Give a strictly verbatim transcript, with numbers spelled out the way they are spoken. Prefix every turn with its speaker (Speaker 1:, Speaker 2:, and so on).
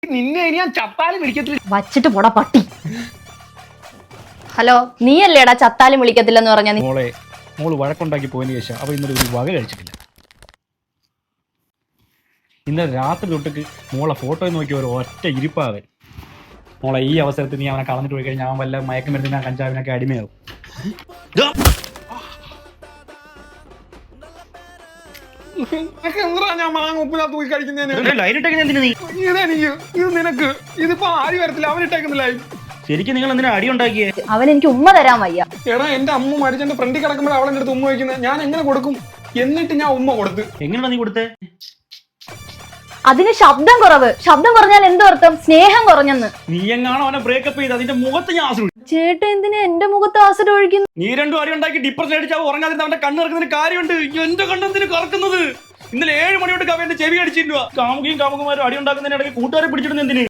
Speaker 1: നിന്നെ ഇനി ഞാൻ ചത്താലും വിളിക്കത്തില്ല.
Speaker 2: വച്ചിട്ട് പോടാ പട്ടി. ഹലോ, നീയല്ലേടാ ചത്താലും വിളിക്കത്തില്ലെന്ന് പറഞ്ഞ?
Speaker 1: മോളെ മോള് വഴക്കുണ്ടാക്കി പോയതിന് ശേഷം അവ ഇന്നലെ ഒരു വക കഴിച്ചിട്ടില്ല. ഇന്നലെ രാത്രി തൊട്ടിട്ട് മോളെ ഫോട്ടോ നോക്കി ഒരു ഒറ്റ ഇരിപ്പാവൻ. മോളെ ഈ അവസരത്തിൽ നീ അവനെ കളഞ്ഞിട്ട് പോയി കഴിഞ്ഞാൽ അവൻ വല്ല മയക്കുമരുന്നിനാ കഞ്ചാവിനൊക്കെ അടിമയാവും. ഞാൻ മാങ്ങ ഉപ്പിനകത്ത് പോയി കഴിക്കുന്നതിന് ഇത് നിനക്ക് ഇതിപ്പോ ആര് വരത്തില്ല. അവനിട്ടേക്കുന്നില്ല.
Speaker 3: ശരിക്കും നിങ്ങൾ എന്തിനാ അടി ഉണ്ടാക്കിയേ?
Speaker 2: അവൻ എനിക്ക് ഉമ്മ തരാൻ വയ്യ.
Speaker 1: എടാ എന്റെ അമ്മ മരിച്ചെന്റെ ഫ്രണ്ടിൽ കിടക്കുമ്പോൾ അവളെന്റെ അടുത്ത് ഉമ്മ വയ്ക്കുന്നത് ഞാൻ എങ്ങനെ കൊടുക്കും? എന്നിട്ട് ഞാൻ ഉമ്മ കൊടുത്ത്.
Speaker 3: എങ്ങനെയാ നീ കൊടുത്തേ?
Speaker 2: അതിന് ശബ്ദം കുറവ്. ശബ്ദം കുറഞ്ഞാൽ എന്തോ അർത്ഥം? സ്നേഹം കുറഞ്ഞെന്ന്.
Speaker 3: നീ എങ്ങാണോ അവനെ ബ്രേക്കപ്പ് ചെയ്ത് അതിന്റെ മുഖത്ത് ഞാൻ ആസിഡ്.
Speaker 2: ചേട്ടൻ എന്തിനാ എന്റെ മുഖത്ത് ആസിഡ് ഒഴിക്കുന്നു?
Speaker 3: നീ രണ്ടും അടി ഉണ്ടാക്കി ഡിപ്രഷൻ അടിച്ചാൽ ഉറങ്ങാതിരുന്ന അവന്റെ കണ്ണ് ഇറക്കുന്നതിന് കാര്യമുണ്ട്. എന്റെ കണ്ണെന്തിന് കറക്കുന്നത്? ഇന്നലെ ഏഴ് മണിയോട്ട് കവന്റെ ചെവി അടിച്ചിരുന്നു. കാമുകയും കാമുകമാരും അടി ഉണ്ടാക്കുന്നതിനിടയ്ക്ക് കൂട്ടുകാരെ പിടിച്ചിടുന്ന എന്തിന്?